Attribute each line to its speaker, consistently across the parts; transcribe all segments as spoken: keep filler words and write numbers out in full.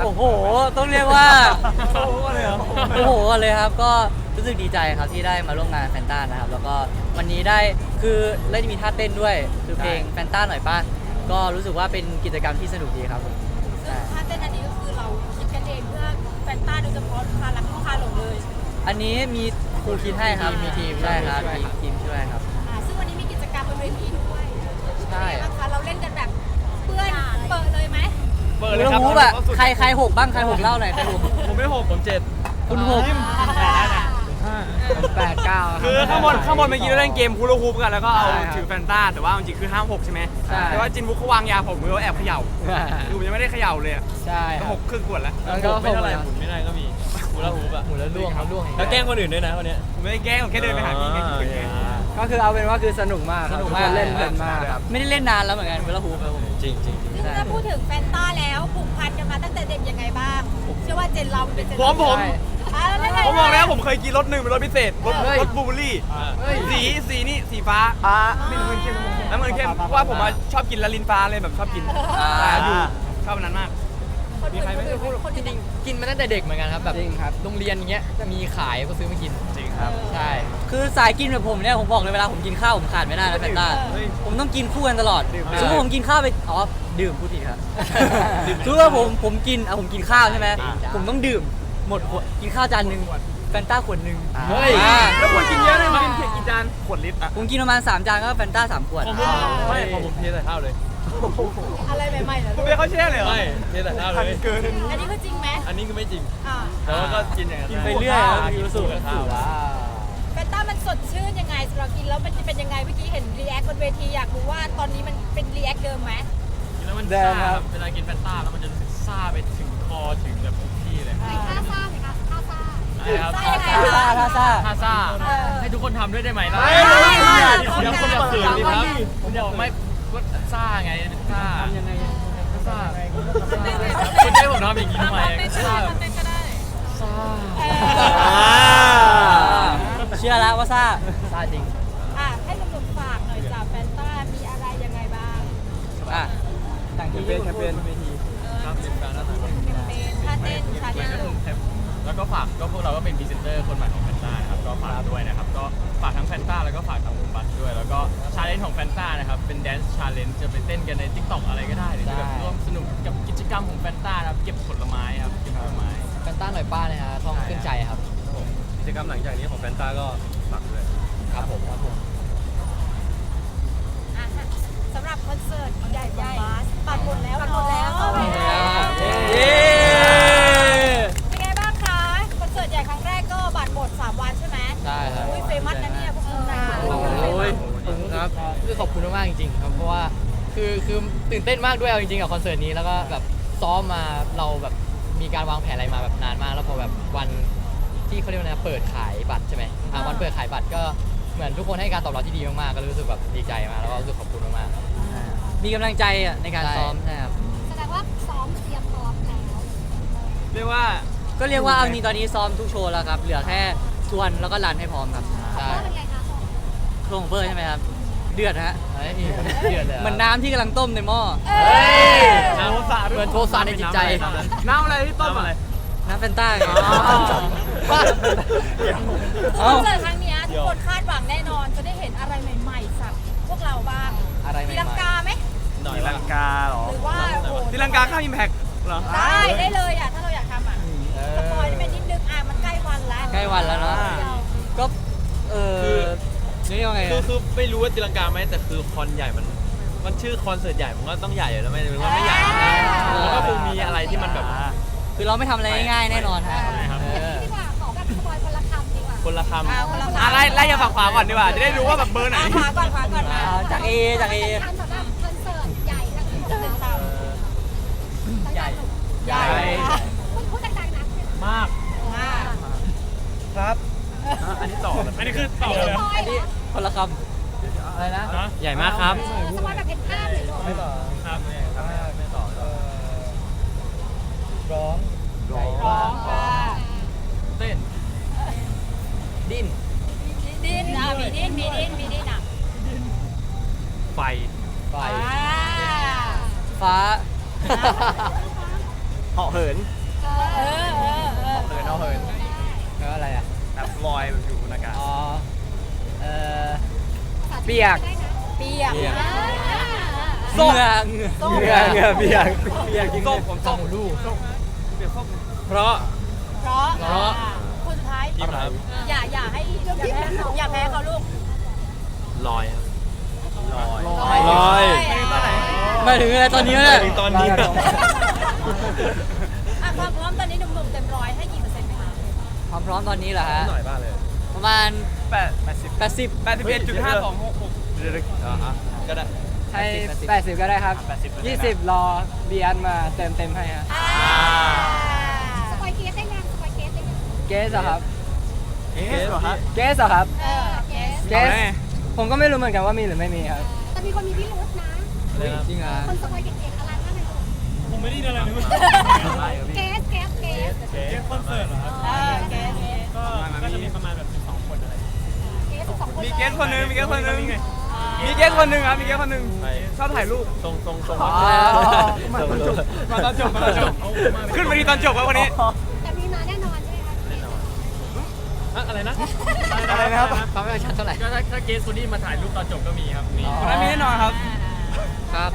Speaker 1: โอ้โหต้องเรียกว่าโอ้โหเลยเหรอโอ้โหเลยครับก็รู้สึกดีใจครับที่ได้มาร่วมงานแฟนต้านะครับแล้วก็วันนี้ได้คือได้มีท่าเต้นด้วยคือเพลงแฟนต้าหน่อยป่ะก็รู้สึกว่าเป็นกิจกรรมที่สนุกดีครับผม
Speaker 2: ซึ่งท่าเต้นอันนี้ก็คือเราคิดกันเองเพื่อแฟนต้าโดยเฉพาะพารักลูกค้าหลงเลย
Speaker 1: อันนี้มีครูคิดให้ครับมีทีมใช่ครับมีทีมช่วยครับ
Speaker 2: อ่าซึ่งวันนี้มีกิจกรรมบนเวทีด้วย
Speaker 1: ใช่
Speaker 2: เป็นไงบ้างคะเราเล่นกันแบบเพื่อนเปิดเลยไหม
Speaker 3: เปิด
Speaker 1: เรื
Speaker 3: เลย
Speaker 1: อ
Speaker 3: ครับ
Speaker 1: ฮูบอะใครใครหกบ้างใครหกเล่าหน่อยใครหก
Speaker 3: ผมไม่หกผมเจ็ด
Speaker 1: คุณหก
Speaker 3: แปดเก้าคือข้างบนข้างบนเมื่อกี้เราเล่นเกมฮูลาฮูปกันแล้วก็เอาถือแฟนต้าแต่ว่าจริงๆคือห้ามหกใช่ไหมแต่ว่าจินบุ๊กเขาวางยาผมมือแอบเขย่าคือผมยังไม่ได้เขย่าเลย
Speaker 1: ใช่
Speaker 3: ก็หกครึ่งขวดแล้ว
Speaker 1: แล้วก็
Speaker 4: ไม่เท่าไหร่หมุนไม่ได้ก็มีฮูลาฮูปอะ
Speaker 1: หมุนแล้วล่วงแล้วล่วง
Speaker 4: แล้วแกล้งคนอื่นด้วยนะวันเนี้ย
Speaker 3: ผมไม่ได้แกล้งผมแค่เดินไปหาพี่ไงคิดไง
Speaker 5: ก็คือเอาเป็นว่าคือสนุกมาก
Speaker 1: สนุกมาก
Speaker 5: เล่นเพลินมากครับ
Speaker 1: ไม่ได้เล่นนานแล้วเหมือนกันเวลาฮูบครับผม
Speaker 4: จริงจริง
Speaker 2: ซึ่งถ้าพูดถึงแฟนต้าแล้วผูกพันกันมาตั้งแต่เด็กยังไงบ้างเชื่อว่าเจนเราเป็นเจน
Speaker 3: ผมผม
Speaker 2: อ่าแล้วไง
Speaker 3: ผมบอกแล้วผมเคยกินรถหนึ่งเป็นรถพิเศษรถ
Speaker 1: เฮ้ย
Speaker 3: รถบลูเบอร์รี่สีสีนี่สีฟ้า
Speaker 5: อ่า
Speaker 3: ไม่รู้เข้มน้ำเงินเข้มเพราะว่าผมอะชอบกินละลินฟ้าเลยแบบชอบกิน
Speaker 1: อ่า
Speaker 3: อยู่ชอบอันนั้นมาก
Speaker 2: คนอื่นคนอื่นคน
Speaker 6: จ
Speaker 2: อื่น
Speaker 6: ริงๆกินมาตั้งแต่เด็กเหมือนกันครับแบบ
Speaker 5: จริงครับ
Speaker 6: โรงเรียนอย่างเงี้ยมีขายก็ซื้อมากิน
Speaker 3: จริงครับ
Speaker 6: ใช่
Speaker 1: คือสายกินแบบผมเนี่ยผมบอกเลยเวลาผมกินข้าวผมขาดไม่ได้นะแฟนต้าผมต้องกินคู่กันตลอดสมมติผมกินข้าวไปอ๋อดื่มพูดผิดครับสมมติว่าผมผมกินอ่ะผมกินข้าวใช่ไหมผมต้องดื่มหมดขวดกินข้าวจานหนึ่งแฟนต้าขวดหนึ่ง
Speaker 6: เฮ้ย
Speaker 1: อ่า
Speaker 3: แล้วคนกินเยอะเลยมันกินเพียงกี่จานขวดลิตรอะ
Speaker 1: ผมกินประมาณสามจานก็แฟนต้าสามขวด
Speaker 4: ผมไม่ผมผมเทใส่ข้าวเลย
Speaker 2: อะไรใหม่ๆเหรอ
Speaker 3: คุณเบียร์เขาแช่เลยเหรอ
Speaker 4: ไม่เทใส่ข้าวเลย
Speaker 3: เกิน
Speaker 2: อันนี้คือจริงไหม
Speaker 4: อันนี้คือไม่จริง
Speaker 2: อ่า
Speaker 4: แต่ว่าก็กินอย่างนั้น
Speaker 1: กินไปเรื่อยครับ
Speaker 4: กินสูตรกับข้าว
Speaker 2: แฟนต้ามันสดชื่นยังไงสำหรับกินแล้วมันจะเป็นยังไงเมื่อกี้เห็นรีแอคบนเวทีอยากรู้ว่าตอนนี้มันเป็นรีแอคเดิมไหม
Speaker 4: กินแล้วมัน
Speaker 5: แด
Speaker 4: ซ่าง
Speaker 5: ครับ
Speaker 4: เวลากินแฟนต้าแล้วมันจะรู้สึกซ่าไปถึงคอถึงแบบทุกที่เลย
Speaker 2: ท่าซ่าไหมคะท่าซ่า
Speaker 4: ใช่ครับ
Speaker 2: ซ่ายังไง
Speaker 1: ท่าซ่าท่าซ่า
Speaker 4: ท่าซ่า
Speaker 2: เออ
Speaker 4: ให้ทุกคนทำด้วยได้ไหมล่ะ
Speaker 3: ไม่ไม่ไม่
Speaker 4: เดี๋ยวคนจะเขินดิครับผมบอกไม่ก็ซ่าไงซ่ายังไงซ่าคุณให้ผมทำอย่างนี้ทำไมซ่าแบบซ่า
Speaker 1: เชื่อแล้วว่าซ่า
Speaker 6: ซาจริง
Speaker 2: อ่ะให้หนุ่มๆฝากหน่อยจ้ะแฟนต้ามีอะไรยังไงบ้าง
Speaker 1: อ่ะต่าง
Speaker 5: แค
Speaker 1: ที่
Speaker 5: มเปญแคมเปญ
Speaker 4: ครับเป็นการน่ารัก
Speaker 2: เป็นท่าเต้นชาแนล
Speaker 4: แล้วก็ฝากก็พวกเราก็เป็นพรีเซนเตอร์คนใหม่ของแฟนต้านะครับก็ฝากด้วยนะครับก็ฝากทั้งแฟนต้าแล้วก็ฝากทั้งบัสด้วยแล้วก็ชาเลนจ์ของแฟนต้านะครับเป็นแดนซ์ชาเลนจ์จะไปเต้นกันใน ทิกตอก อะไรก็ได้หรือจะแบบร่วมสนุกกับกิจกรรมของแฟนต้านะครับเก็บผลไม้ครับเก็บผลไม้
Speaker 6: แฟนต้าหน่อยป้านะฮะท่องขึ้นใจครับ
Speaker 4: กิจกรรมหลังจากนี้ของแฟนต้าก็ฝากด้วย
Speaker 6: ครับผมครับผม
Speaker 2: อ่ะสำหรับคอนเสิร์ตใหญ่ของบาสปัดหมดแล้วปัดหมดแล้ว
Speaker 1: เย้
Speaker 2: เป็นไงบ้างคะคอนเสิร์ตใหญ่ครั้งแรกก็บัตรหมดสามวันใช่ไหม
Speaker 6: ใช่ครับ
Speaker 2: อุ้ยเฟมัสนะเนี่ยพวกคุณนะ
Speaker 6: โอ้ยครับคือขอบคุณมากๆจริงๆครับเพราะว่าคือคือตื่นเต้นมากด้วยเอาจริงๆกับคอนเสิร์ตนี้แล้วก็แบบซ้อมมาเราแบบมีการวางแผนอะไรมาแบบนานมาก แล้วพอแบบวันที่เขาเรียกว่าอะไรนะเปิดขายบัตรใช่ไหมอ่าวันเปิดขายบัตรก็เหมือนทุกคนให้การตอบรับที่ดีมากๆก็รู้สึกแบบดีใจมากแล้วก็รู้สึกขอบคุณมากๆครับ
Speaker 1: มีกำลังใจอ่ะในการ
Speaker 6: ใช่
Speaker 1: ซ้อมนะครับ
Speaker 2: แสดงว่าซ้อมเตรียมพร้อมแล้ว
Speaker 3: เรียกว่า
Speaker 1: ก็เรียกว่าเอาจริงตอนนี้ซ้อมทุกโชว์แล้วครับ เหลือแค่ชวนแล้วก็รันให้พร้อมครับ
Speaker 6: ใช่
Speaker 2: เป็นไงคะ
Speaker 1: โครงของเฟิร์ใช่ไหมครับ เดือดฮะ
Speaker 6: เฮ้ยเดือดเลย
Speaker 1: เหมือนน้ำที่กำลังต้มในหม้อ
Speaker 2: เอ้ย
Speaker 3: น้ำสาด
Speaker 6: เหมือนโทสะในจิตใจ
Speaker 3: น้ำอะไรที่ต้มอะไร
Speaker 1: น้ำแฟนต้าไง
Speaker 2: คอนเสิร์ตครั้งเนี้ยทุกคนคาดหวังแน่นอนจะได้เห็นอะไรใหม่ๆสักพวกเราบ้าง
Speaker 6: อะไรใหม่
Speaker 2: ตีลัง
Speaker 6: ๆ
Speaker 2: กาไหม
Speaker 4: หน่อย
Speaker 3: ตี
Speaker 4: ว่า
Speaker 3: ลังกาเหรอ
Speaker 2: หรือว่าโอ้โห
Speaker 3: ตีลังกาข้ามอิมแพคเหรอ
Speaker 2: ได้ได้เลยอ่ะถ้าเราอยากทำอ่ะ
Speaker 6: เอ
Speaker 2: สปอย
Speaker 6: อ
Speaker 2: ได้เป็นนิดนึงอ่ะมันใกล้วันแล้ว
Speaker 1: ใกล้วันแล้วเนาะ ก็เออนี่ยังไง
Speaker 4: คือ
Speaker 1: อะ
Speaker 4: คือไม่รู้ว่าตีลังกาไหมแต่คือคอนใหญ่มันมันชื่อคอนเสิร์ตใหญ่มันก็ต้องใหญ่อยู่แล้วไม่รู้ว่าไม่ใหญ่มันก็คงมีอะไรที่มันแบบ
Speaker 1: คือเราไม่ทำอะไรง่ายๆแน่นอนฮะ
Speaker 4: ครับ
Speaker 1: เออ
Speaker 2: ดีกว่าขอแบบสปอยคนละคำดีกว่า
Speaker 4: คนละค
Speaker 2: อ่าคนละคำ
Speaker 3: อ่ะไล่ไล่จากฝั่งขวาก่อนดีกว่าจะได้รู้ว่าแบบเบอร์ไหน
Speaker 2: อ่ะขวาก่อนขวาก่อนมา
Speaker 1: อ่าจากเอจากเอ
Speaker 2: สำหรับคอนเสิร์ตใหญ่ครั้งที่หกเป็นตาม
Speaker 6: ใหญ่
Speaker 2: ใหญ่
Speaker 4: ำ
Speaker 2: พูดดังๆนะ
Speaker 4: มาก
Speaker 2: อ่า
Speaker 3: ครับ
Speaker 4: อันนี้ต่ออันนี้คือต่อ
Speaker 2: อัน
Speaker 4: เล
Speaker 2: นี้
Speaker 4: ย
Speaker 2: สปอยเหรอ
Speaker 1: คนละค
Speaker 6: อะไรนะ
Speaker 4: ใหญ่มากครับ
Speaker 2: เออสปอยแบบเห็นภาพเลยลูก
Speaker 5: ไม่ต่อ
Speaker 4: ครับไม่ต่อ
Speaker 5: เอ่อร้อง
Speaker 2: ร้องค่ะ
Speaker 4: เต้น
Speaker 6: ดิ้น
Speaker 2: ดิ้นอ่ะมีดิ้นมีดิ้นมีดิ้นอ่ะ
Speaker 4: ไฟ
Speaker 6: ไฟ
Speaker 2: อ่า
Speaker 1: ำฟ้า
Speaker 2: ฟ
Speaker 3: เหาะเหิน
Speaker 2: เออเออเออเออ
Speaker 3: เหินเอาเหิน
Speaker 5: แล้วอะไรอ่ะ
Speaker 3: แบบลอยแบบอยู่บนอากาศ
Speaker 5: อ๋อ เอ่อ เปียก
Speaker 2: เปียก
Speaker 1: ส้ม
Speaker 5: เหงื่อเหงื่อเปียกเปียกจริง
Speaker 3: ส้มผมส้มลูกส้มเปียกส้มเพราะ
Speaker 2: เพราะ
Speaker 3: เพราะ
Speaker 2: คนสุดท้าย
Speaker 4: ทีมครับ
Speaker 2: อย่าอย่าให้อย่าแพ้เขาอย่าแพ้เขาลูก
Speaker 4: ลอยครับลอย
Speaker 3: ลอย
Speaker 1: มาถึงอะไรตอนนี้แล้วเนี่ย
Speaker 4: ตอนนี้
Speaker 2: อ่ะความพร้อมตอนนี้หนุ่มๆเต็มร้อยให้กี่เปอร์เซ็นต์ไหมคะ
Speaker 1: ความพร้อมตอนนี้เหรอฮะ
Speaker 3: หน่อยบ้าเลย
Speaker 1: ประมาณ
Speaker 3: แปดแปดสิบ
Speaker 1: แปดสิบ
Speaker 3: แปดสิบเอ็ดจุดห้าสองหกหกเดี๋ยวๆอ่าฮะก็ได้
Speaker 5: ให้แปดสิบก็ได้ครับ
Speaker 3: แปดสิบก็ได้นะ
Speaker 5: ยี่สิบรอเบียนมาเติมเต็มให้ฮะ
Speaker 2: อ่า
Speaker 7: สปอยเกสได้ยังสปอยเกสได้ยัง
Speaker 5: เกสเหรอครับ
Speaker 3: เอ๊ะเหรอฮะ
Speaker 5: เกสเหรอครับ
Speaker 2: เออเกส
Speaker 5: เกส ผมก็ไม่รู้เหมือนกันว่ามีหรือไม่มีครับ
Speaker 7: แต่มีคนมีพิรุธนะ
Speaker 5: จริงเหรอ
Speaker 7: คนสปอยเก่งๆอะไรบ้างไหมลูก
Speaker 4: ผมไม่ได้ยินอะไรเลย
Speaker 7: เกสเกสเกส
Speaker 4: เกมคอนเสิร์ตเหรอครับ
Speaker 2: เออเกส
Speaker 4: ก็ก็จะมีประมาณแบบสิบสองคนอะไร
Speaker 7: เกสสิบสองคน
Speaker 3: มีเกสคนหนึงมีเกสคนหนึงมีเกสคนหนึงครับมีเกสคนหนึงชอบถ่ายรูป
Speaker 4: ทรงทรงทรง
Speaker 5: อ๋อ
Speaker 3: มาตอนจบมาตอนจบมาตอนจบขึ้นมาดีตอนจบครับวันนี้
Speaker 7: แต่มีมาแน่นอนใช่ไหมคะ
Speaker 4: แน่นอนอะอะไรนะ
Speaker 3: อะไรนะครับ
Speaker 6: ความไม่ชัดเท่าไหร่
Speaker 4: ก็ถ้าถ้าเกสคนนี้มาถ่ายรูปตอนจบก็มีครับมี
Speaker 3: วันนั้นมีแน่นอนครับ
Speaker 1: ครับ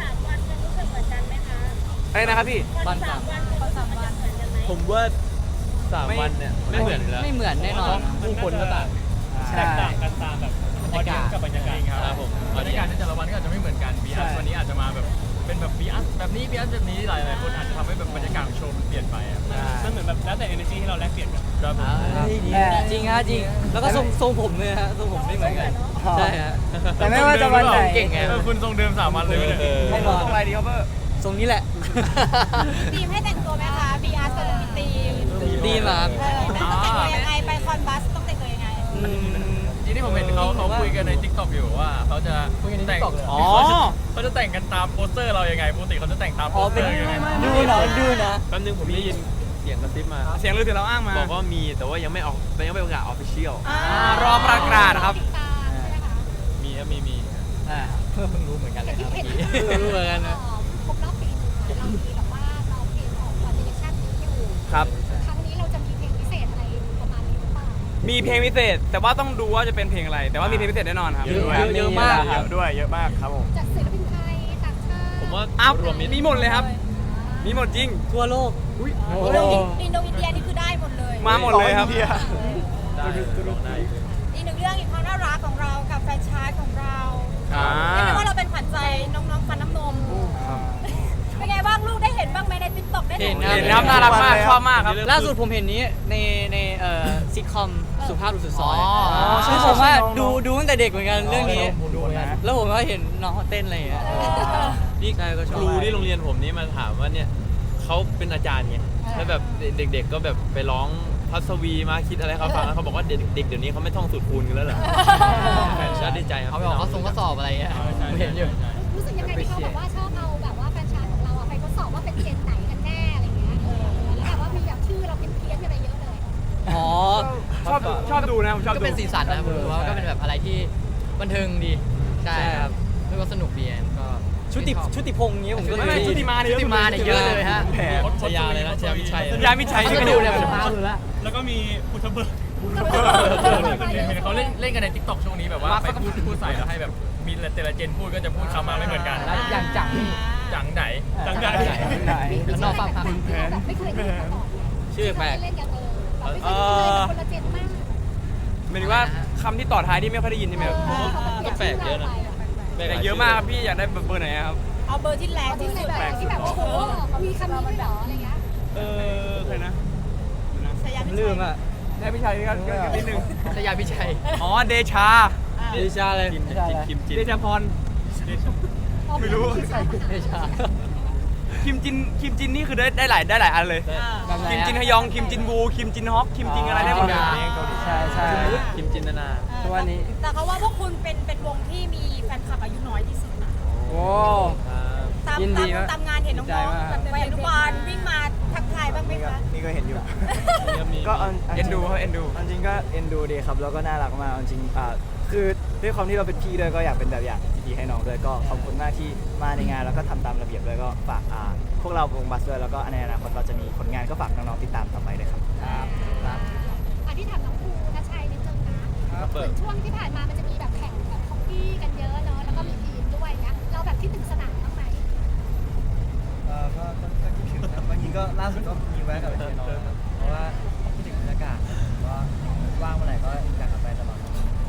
Speaker 3: อะไรนะครับพี่
Speaker 1: วันสาม
Speaker 4: ผมว่าสามวันเนี่ยไม่เหมือนอยู่แล้ว
Speaker 1: ไม่เหมือนแน่นอน
Speaker 4: ผู้คนก็ต่าง
Speaker 5: ใช่
Speaker 4: แตกต่างกันตามแบบบรรยากาศกับบรรยากาศครับผมบรรยากาศในแต่ละวันก็อาจจะไม่เหมือนกันบีอัสวันนี้อาจจะมาแบบเป็นแบบบีอัสแบบนี้บีอัสแบบนี้หลายหลายคนอาจจะทำให้แบบบรรยากาศของโชว์มันเปลี่ยนไปอ่ะมันเหมือนแบบแล้วแต่ energy ที่เราแลกเปลี่ยนกันครับผม
Speaker 1: จริงฮะจริง แล้วก็ทรงทรงผมเลยฮะทรงผมไม่เหมือนกัน ใช่ฮะ
Speaker 5: แต่ไม่ว่าจะวันไหน
Speaker 1: เก่งไง
Speaker 4: เออคุณทรงเดิมสามวันเลยเนี่ย
Speaker 5: ไม่บอก
Speaker 3: อะไรดีครับเบอร์
Speaker 1: ทรงนี้แหละ
Speaker 2: ทีมให้แต่งตัวไหมคะบีอาร์จะมีทีม
Speaker 1: ดีมาก
Speaker 2: เออต้องแต่งตัวยังไงไปคอนบัสต้องแต่งตัวยังไง
Speaker 4: จริงที่ผมเห็นเขาเขาคุยกันใน TikTok อยู่ว่าเขาจะ
Speaker 6: คุยกันใน
Speaker 4: แต่ง
Speaker 6: TikTok เลย
Speaker 3: อ๋อ
Speaker 4: เขาจะแต่งกันตามโปสเตอร์เรายังไงปกติเขาจะแต่งตามโป
Speaker 1: อ๋อ
Speaker 4: สเต
Speaker 1: เป็
Speaker 4: อน ร์ยังไง
Speaker 1: ดูนะดูนะ
Speaker 8: แป๊บนึงผมได้ยินเสียงกระซิบมา
Speaker 3: เสียงลือถึงเราอ้างมา
Speaker 8: บอกว่ามีแต่ว่ายังไม่ออกยังไม่ประกาศออฟฟิเชียล
Speaker 2: อ่า
Speaker 3: อ่ารอประกาศครับ
Speaker 7: ติดตามใช่ไหมคะ
Speaker 8: มีครับมีมี
Speaker 1: อ่า
Speaker 6: เพิ่งรู้เหมือนกันเลยครับเมื่อกี้
Speaker 1: รู้เหมือนกันนะ
Speaker 7: ครบรอบปีหนึงเรามีแบบว่าเราเพลงออกคอนเสิร์ตนี้อยู่
Speaker 3: ครับ
Speaker 7: ครั้งนี้เราจะมีเพลงพิเศษอะไรประมาณนี้หรือเปล่า
Speaker 3: มีเพลงพิเศษ แต่ว่าต้องดูว่าจะเป็นเพลงอะไร แต่ว่ามีเพลงพิเศษแน่นอนครับ
Speaker 1: เยอะเยอะมาก
Speaker 3: เยอะด้วยเยอะมากครับผม
Speaker 7: จากศิลปินไทยต่างชาติ
Speaker 8: ผมว่า
Speaker 3: อ้าว
Speaker 8: รวมมิตร
Speaker 3: มีหมดเลยครับ มีหมดจริง
Speaker 1: ทั่วโลก
Speaker 5: โอ้
Speaker 2: อินโดอินเดียนี่คือได้หมดเลย
Speaker 3: มาหมดเลยครับ
Speaker 8: ได้ลองได้
Speaker 2: อีกหนึ่งเรื่องอีกความน่ารักของเรากับแฟรนไชส์ของเรา
Speaker 3: อ่า
Speaker 2: เรียกได้ว่าเราเป็นขวัญใจน้องๆฟันน้ำนมเป็นไงบ้างลูกได้เห็นบ้างไหมในติ๊กต็อกได้
Speaker 1: เห็น
Speaker 3: เห็นครับน่ารักมากชอบมากครับ
Speaker 1: ล่าสุดผมเห็นนี้ในในเอ่อซิทคอมสุภาพบุรุษสุดซอย
Speaker 6: อ๋อ
Speaker 1: ซึ่งผมว่าดูดูตั้งแต่เด็กเหมือนกันเรื่องนี้
Speaker 6: ดูเหมือนกัน
Speaker 1: แล้วผมก็เห็นน้องเขาเต้นอะไรอย่างเงี้ย
Speaker 8: นี่
Speaker 1: ใช่ก็ชอบ
Speaker 8: ครูที่โรงเรียนผมนี่มาถามว่าเนี่ยเขาเป็นอาจารย์ไงแล้วแบบเด็กๆก็แบบไปร้องพัศวีมาคิดอะไรเขาฟังแล้วเขาบอกว่าเด็กๆเดี๋ยวนี้เขาไม่ท่องสูตรคูณกันแล้วเหรอแฟนชาติดีใจครับ
Speaker 6: เขาไปบอกเขาส่งข้อสอบอะไรเงี้ยผมเห็นอยู่
Speaker 7: รู้สึกยังไงที่เขาแบบว่าชอบเอาแบบว่าแฟนชายของเราอะไปทดสอบว่าเป็นเจนไหนกันแน่อะไรเงี้ยเออแล้วแบบว่ามีแบบชื่อเราเป็นเพี้ยนอะไรเยอะเลย
Speaker 1: อ๋อ
Speaker 3: ชอบชอบดูนะผมชอบ
Speaker 6: ก็
Speaker 3: ดู
Speaker 6: เป็นสีสันนะผมรู้ว่าก็เป็นแบบอะไรที่บันเทิงดีใช่ครับแล้วก็สนุกดีก็
Speaker 1: ชุติชุติพงษ์อย่างเงี้ยผมก็
Speaker 3: ไม่ไม่ชุติมาเนี่ย
Speaker 6: ชุติมาเนี่ยเยอะเลยฮะ
Speaker 3: แผล
Speaker 8: ชยาเลยนะชยาวิชัย
Speaker 3: ยามิชัย
Speaker 6: เขา
Speaker 3: ที่
Speaker 6: ก็
Speaker 3: กระ
Speaker 6: ดู
Speaker 3: ดูก
Speaker 6: เนี่ยผมพาดูแล้ว
Speaker 4: แล้วก็มีพุทธเบิร์ดเห็นเขาเล่นเล่นกันใน TikTok ช่วงนี้แบบว่าไปพูดพูดใส่แล้วให้แบบมีแต่ละเจนพูดก็จะพูดคำมาไม่เหมือนกัน
Speaker 6: แล้วอย่างจังนี่
Speaker 4: จังไหนจังไหน
Speaker 6: แล้วนอกฟังครับ
Speaker 7: ที่เราแบบไม่เคยเห็นมาก่อน
Speaker 1: ชื่อแปลก
Speaker 7: เล่นกันเออเราไม่เคยเจอคนละเจนมาก
Speaker 3: หมายถึงว่าคำที่ต่อท้ายที่ไม่ค่อยได้ยินใช่ไหมครับ
Speaker 8: ก็แปลกเยอะนะ
Speaker 3: แต่เยอะมากครับพี่อยากได้เบอร์ไหนครับ
Speaker 2: เอาเบอร์ที่แรง
Speaker 7: ที่
Speaker 2: ที่
Speaker 7: ไหน
Speaker 2: สุด
Speaker 7: แบบที่แบบว่าโอ้โหมีคำนี้ด้วยเหรออะไรเงี้ย
Speaker 3: เออใครนะ
Speaker 2: ชายา
Speaker 1: ลืมอ่ะ
Speaker 3: ได้พี่ชัยก็ก็นิดนึง
Speaker 6: ชยาพิชัย
Speaker 3: อ๋อเดชา
Speaker 1: ดิชาเลย
Speaker 8: คิมคิมจิน
Speaker 3: เดชาพร ไม่รู้
Speaker 6: ไม่ใช่
Speaker 3: คิมจินคิมจินนี่คือได้ได้หลายได้หลายอันเลย คิมจินฮยองคิมจินบูคิมจินฮอกคิมจินอะไรได้หมดเลย
Speaker 5: ใช่ใช่
Speaker 8: คิมจินนานา
Speaker 5: ทุกวันนี้
Speaker 2: แต่เขาว่าพวกคุณเป็นเป็นวงที่มีแฟนคลับอายุน้อยที่สุดนะ
Speaker 5: โอ้
Speaker 2: ตาม
Speaker 5: ยินดี
Speaker 2: ตาม
Speaker 5: มาก
Speaker 2: ตามงานเห็นน้
Speaker 5: ดีใจ
Speaker 2: อง
Speaker 5: มาก
Speaker 2: ๆแบบไปอนุบาลวิ่งมาทักทายบ้างไหมคะ
Speaker 5: นี่ก็เห็นอยู่
Speaker 8: ก็มี
Speaker 5: ก็า
Speaker 3: เอ็นดูเขาเอ็นดู
Speaker 5: จริงก็เอ็นดูดีครับ แล้วก็น่ารักมากจริงอ่าคือด้วยความที่เราเป็นพี่ด้วยก็อยากเป็นแบบอย่างที่ดีให้น้องด้วยก็ขอบคุณมากที่มาในงานแล้วก็ทำตามระเบียบด้วยก็ฝากอ่าพวกเราวงบัสด้วยแล้วก็ในอนาคตเราจะมีผลงานก็ฝากน้องๆติดตามต่อไปด้วยครับ
Speaker 6: ครับครับ
Speaker 7: อันที่ถามน้องภูทัชชัยนิดนึงนะเหมือนช่วงที่ผ่านมามันจะมีแบบแข่งแบบฮอกกี้กันเยอะเนอะแล้วก็มีทีมด้วยนะเราแบบคิดถึงสนามบ้างไหม
Speaker 5: เออก็ก็ก็คิดถึงครับบางทีก็ล่าสุดก็มีแวะกลับไปเจอน้องครับเพราะว่าคิดถึงบรรยากาศก็ว่างเมื่อไหร่ก็อยากกลับไปตลอด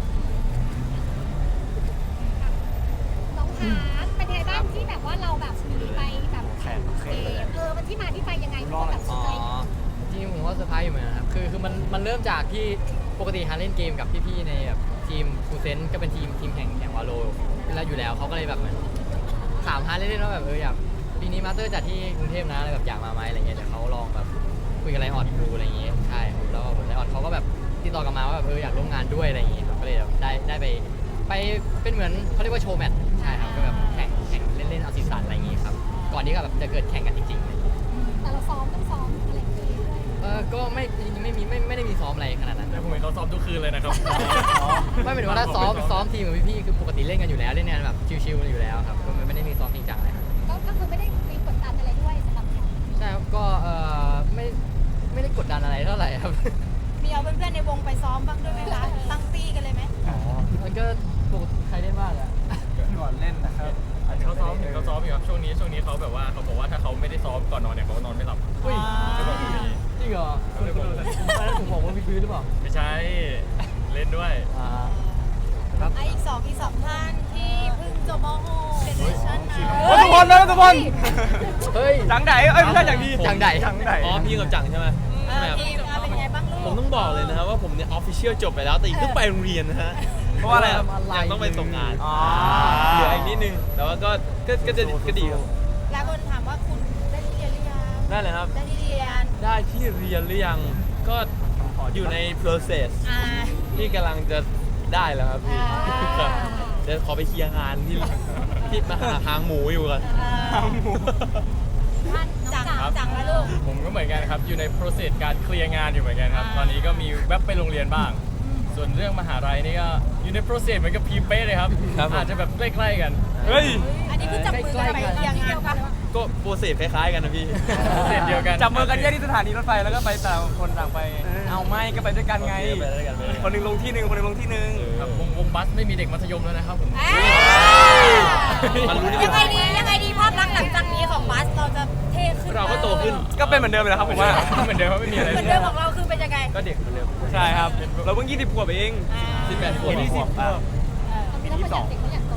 Speaker 7: น้องฮาร์ดเป็นไงบ้างที่แบบว่าเราแบบมีไปแบบแข่งเกมเออมันที่มาที่ไปยังไงมันก็แบบส
Speaker 6: อ๋
Speaker 7: นใจ
Speaker 6: อจริงๆผมก็เซอร์ไพรส์อยู่เหมือนกันครับคือคือมันมันเริ่มจากที่ปกติฮาร์ดเล่นเกมกับพี่ๆในแบบทีมฟูเซนก็เป็นทีมทีมแข่งแข่งวาโลแล้วอยู่แล้วเขาก็เลยแบบเหมือนถามฮาร์ดเล่นๆว่าแบบเอออยากปีนี้มาสเตอร์จัดที่กรุงเทพนะอะไรแบบอยากมาไหมอะไรเงี้ยเดี๋ยวเขาลองแบบคุยกับไลออดดูอะไรอย่างเงี้ยใช่ครับแล้วไลออดเขาก็แบบติดต่อกลับมาว่าแบบเอออยากร่วมงานด้วยอะไรอย่างเงี้ยครับก็เลยแบบได้ได้ไปไปเป็นเหมือนเขาเรียกว่าโชว์แมตช์ใช่ครับก็แบบแข่งแข่งเล่นๆเอาสีสันอะไรอย่างเงี้ยครับก่อนที่แบบจะเกิดแข่งกันจริงๆเลย
Speaker 7: แต่เราซ้อมต้องซ้อมอะไรอย่างเงี้ยด้วย
Speaker 6: เออก็ไม่จริงๆไม่มีไม่ไม่ได้มีซ้อมอะไรขนาดนั้น
Speaker 4: แต่ผมเห็นเขาซ้อมทุกคืนเลยนะครับ
Speaker 6: ไม่เป็นว่าถ้าซ้อมซ้อมทีมกับพี่ๆคือปกติเล่นกันอยู่แล้วเล่นงานแบบชิวๆอยู่แล้วครับก็ไม่ได้มีซ้อมจริงจังอะไรครับ
Speaker 7: ก็ก็คือไม่ได้มีกดดันอะไรด้วยสำหรับเรา
Speaker 6: ใช่ครับก็เออไม่ไม่ได้กดดันอะไรเท่าไหร่ครับ
Speaker 2: มีเอาเพื่อนๆในวงไปซ้อมบ้างด้วยไหมคะตั้งตี้กันเลยไหม
Speaker 6: อ๋อมันก็ปกติใครเล่นบ้างอะ
Speaker 5: ก่อนเล่นนะครับ
Speaker 4: เขาซ้อมเห็นเขาซ้อมอยู่ครับช่วงนี้ช่วงนี้เขาแบบว่าเขาบอกว่าถ้าเขาไม่ได้ซ้อมก่อนนอนเนี่ยเขานอนไม่หลับ
Speaker 6: อุ้ย
Speaker 4: จะบอกแบบนี้
Speaker 6: จริงเหรอคุณคุณคุณตอนนั้นผมบอกว่าพี่พื้นหรือเปล่า
Speaker 4: ไม่ใช่เล่นด้วย
Speaker 6: อ่า
Speaker 2: ไออีกสองอีกสองท่านที่เพิ่งจบม .หก เจเนอเรชั่นนะ
Speaker 3: ทุกคนนะทุกคน
Speaker 6: เฮ้ย
Speaker 3: จังไดเอ้ยไม่ใช่จังดี
Speaker 6: จังใด
Speaker 3: จังได
Speaker 8: อ๋อพี่กับจังใช่ไหม
Speaker 2: เออทีมเอาเป็นไงบ้างลูก
Speaker 8: ผมต้องบอกเลยนะครับว่าผมเนี่ยออฟฟิเชียลจบไปแล้วแต่อีกต้องไปโรงเรียนนะฮะ
Speaker 3: เพราะว่าอะไรครับ
Speaker 8: ยังต้องไปส่งงาน
Speaker 3: อ๋อ
Speaker 8: เหลืออีกนิดนึง แต่ว่าก็ก็ก็จะก็ดีครับ
Speaker 2: หลายคนถามว่าคุณได้ที่เรียนหรือยัง
Speaker 8: ได้เลยครับ
Speaker 2: ได้ที่เรียน
Speaker 8: ได้ที่เรียนหรือยังก็อยู่ใน process
Speaker 2: อ่า
Speaker 8: ที่กำลังจะได้แล้วครับพี่
Speaker 2: อ่า
Speaker 8: ครับเดี๋ยวขอไปเคลียร์งานที่ที่มาหาหางหมูอยู่ก่อน
Speaker 2: ท่านจังจังแล้วลูก
Speaker 4: ผมก็เหมือนกันครับอยู่ใน process การเคลียร์งานอยู่เหมือนกันครับ
Speaker 2: อ่า
Speaker 4: ตอนนี้ก็มีแวบไปโรงเรียนบ้าง ส่วนเรื่องมหาลัยนี่ก็อยู่ใน process เหมือนกับพีมเป้เลยครับ
Speaker 8: ครับผม
Speaker 4: อาจจะแบบใกล้ๆกัน
Speaker 3: เฮ้ย
Speaker 2: อันนี้คือจับมือกันไปเคลียร์งานปะ
Speaker 8: ก็โปรเซสคล้ายๆกันนะพี่
Speaker 4: process เดียวกัน
Speaker 3: จับมือกันแยกที่สถานีรถไฟแล้วก็ไปต่างคนต่างไป เอาไม่ก็ไปด้วยกันไง
Speaker 8: โอเคไปด้วยกันไปด้วยกัน
Speaker 3: คนหนึงลงที่หนึ่งคนหนึงลงที่หนึ่ง
Speaker 4: ครับวงวงบัสไม่มีเด็กมัธยมแล้วนะครับผม
Speaker 2: เอ้ย
Speaker 8: มันรู้ได้
Speaker 2: ยังไงดียังไงดีภาพลักษณ์หลังจากนี้ของบัสเราจะเท่ขึ้น
Speaker 8: เราก็โตขึ้น
Speaker 3: ก็เป็นเหมือนเดิมเลยครับผมว่า
Speaker 4: เหมือนเดิมว่าไม่มีอะไร
Speaker 2: เหมือนเดิมของเราคือเป็นยังไง
Speaker 8: ก็เด็กเหมือนเดิม
Speaker 3: ใช่ครับ เราเพิ่งยี่สิบขวบเอง
Speaker 8: สิบแปดขวบ
Speaker 3: ยี่สิบขวบ
Speaker 7: ตอนนี้เราก็อยากเด็กก็อยากโต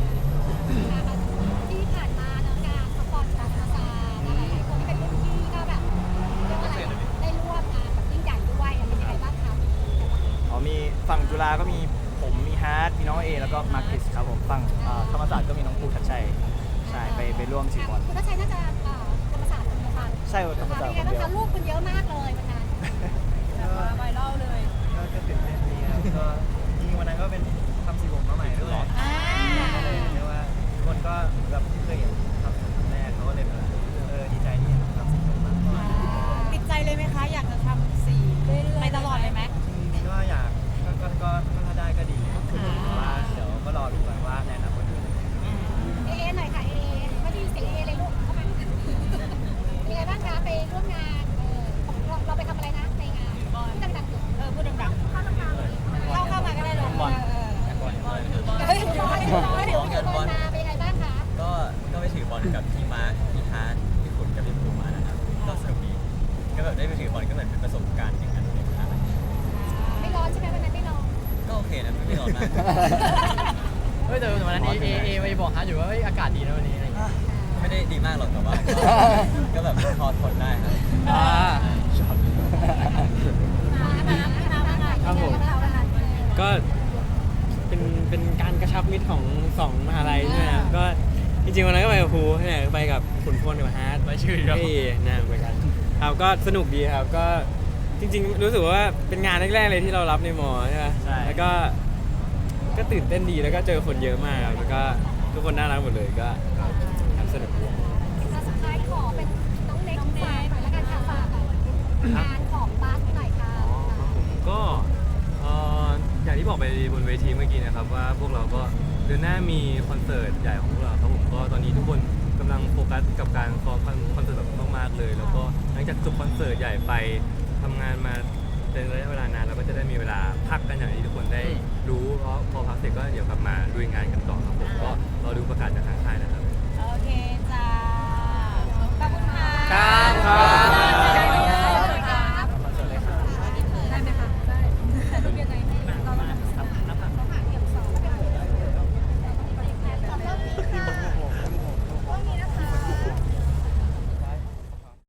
Speaker 7: ที่ผ่านมาเนาะงานสปอนเซอร์ซาหลายๆคนที่เป็นรุ่นพี่ก็แบบเรียกว่าอะไรได้ร่วมงานแบบยิ่งใหญ่ด้วยเป็นยังไงบ้างคะ
Speaker 5: อ๋อมีฝั่งจุฬาก็มีผมมีฮาร์ดมีน้องเอแล้วก็มาร์คิสครับผมฝั่งเอ่อธรรมศาสตร์ก็มีน้องภูทัชชัยใช่ไปไปร่วมถือบอล
Speaker 7: คุณทัชชัยน่าจะเอ่อธรรมศาสตร์คนเดียวกัน
Speaker 5: ใช่ธรรมศาสต
Speaker 7: เป็
Speaker 5: ร์
Speaker 7: น
Speaker 5: ค
Speaker 7: ไง
Speaker 5: น
Speaker 7: บ้าง
Speaker 5: เดียว
Speaker 7: คะลูกคุณเยอะมากเลยวันนั้น
Speaker 2: แบบว่าไวรัลเลย
Speaker 5: ก็ก็ตื่นเต้นดีครับก็จริงๆวันนั้นก็เป็นทำสีผมมาใหม่ด้วย
Speaker 2: อ่า
Speaker 5: ก็เลยเรียกว่าทุกคนก็แบบที่เคยเห็นทำสีผมแรกเขาก็เลยแบบเออดีใจที่เห็นผมทำสีผมมากกว่า
Speaker 2: ติดใจเลยไหมคะ อยากจะทำสีไปตลอดเลยไหม
Speaker 5: ก็อยากก็ก็ก็ก็ถ้าได้ก็ดีแต่ว่าเดี๋ยวก็รอดูก่อนว่าในอนาคตจะเป็นยังไง
Speaker 7: เอเอหน่อยค่ะเอเอไม่ได้ยินเสียงเอเอเลยลูกเข้ามาเป็นไงบ้างคะไปร่วมงานเออเราเราไปทำอะไรนะในงานที่ดังๆอยู่
Speaker 2: เออพูดดังๆ
Speaker 7: เข้ามาเลย
Speaker 2: เข้าเข้ามาก็ได้ลง
Speaker 7: เออเออเฮ้ยบอลบอลเดี๋ยวถือบอลมาเป็นยังไงบ้างคะ
Speaker 9: ก็ก็ไปถือบอลกับพี่มาร์คพี่ฮาร์ดพี่ขุนกับพี่ภูมิมานะครับ ก็สนุกดี ก็แบบได้ไปถือบอลก็เหมือนเป็นประสบการณ์อย่างนั้นเลยครับ
Speaker 7: ไม่ร้อนใช่ไหมวันนั้นไม่ร้อน
Speaker 9: ก็โอเคนะไม่ร้อนมาก
Speaker 6: เฮ้ยแต่วันนั้นเอเอเอไปบอกฮาร์ดอยู่ว่าเฮ้ยอากาศดีนะวันนี้อะไรอย่างเงี้ย
Speaker 9: ไม่ได้ดีมากหรอกแต่ว่าก็ก็แบบพอทนได้ครับ
Speaker 6: อ่า
Speaker 7: ครับผม
Speaker 10: ก็เป็นเป็นการกระชับมิตรของสองมหาลัยใช่ไหมครับก็จริงๆวันนั้นก็ไปกับครูเนี่ยไปกับขุนพลกับฮาร์ด
Speaker 4: ไปชื่อครับ
Speaker 10: เอ้นะไปกันครับก็สนุกดีครับก็จริงๆ รู้สึกว่าเป็นงานแรกๆเลยที่เรารับในมอใช่ไหม
Speaker 5: ใช่
Speaker 10: แล้วก็ก็ตื่นเต้นดีแล้วก็เจอคนเยอะมากครับแล้วก็ทุกคนน่ารักหมดเลยก็ครับสนุกดี
Speaker 7: สุดท้ายขอเป็นน้องเน็กฝากหน่อยละกันค่ะฝากงานของบัสหน่อยค่ะ
Speaker 10: ผมก็เอ่ออย่างที่บอกไปบนเวทีเมื่อกี้นะครับว่าพวกเราก็เดือนหน้ามีคอนเสิร์ตใหญ่ของพวกเราครับผมก็ตอนนี้ทุกคนกำลังโฟกัสกับการซ้อมคอนเสิร์ตแบบมากๆเลย แล้วก็หลังจากจบคอนเสิร์ตใหญ่ไปทำงานมาเป็นระยะเวลานานเราก็จะได้มีเวลาพักกันอย่างที่ทุกคนได้รู้เพราะพอพักเสร็จก็เดี๋ยวกลับมาลุยงานกันต่อครับผมก็รอดูประกาศจากทางค่ายนะครับ